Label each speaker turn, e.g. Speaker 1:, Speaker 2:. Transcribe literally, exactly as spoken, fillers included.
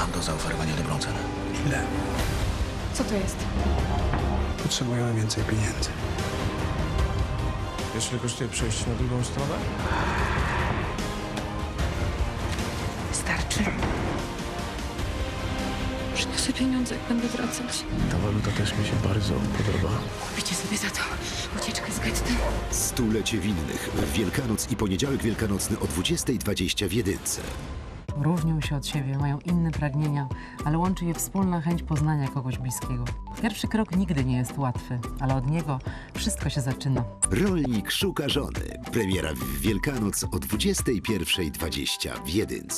Speaker 1: Mam do zaoferowania dobrą cenę.
Speaker 2: Ile?
Speaker 3: Co to jest?
Speaker 2: Potrzebujemy więcej pieniędzy.
Speaker 4: Wiesz, ile kosztuje przejść na drugą stronę?
Speaker 3: Starczy. Przyniosę pieniądze, jak będę wracać.
Speaker 4: Ta waluta też mi się bardzo podoba.
Speaker 3: Kupicie sobie za to ucieczkę z getta.
Speaker 5: Stulecie winnych w Wielkanoc i poniedziałek wielkanocny o dwudziestej dwadzieścia w jedynce.
Speaker 6: Różnią się od siebie, mają inne pragnienia, ale łączy je wspólna chęć poznania kogoś bliskiego. Pierwszy krok nigdy nie jest łatwy, ale od niego wszystko się zaczyna.
Speaker 5: Rolnik szuka żony. Premiera w Wielkanoc o dwudziestej pierwszej dwadzieścia w jedynce.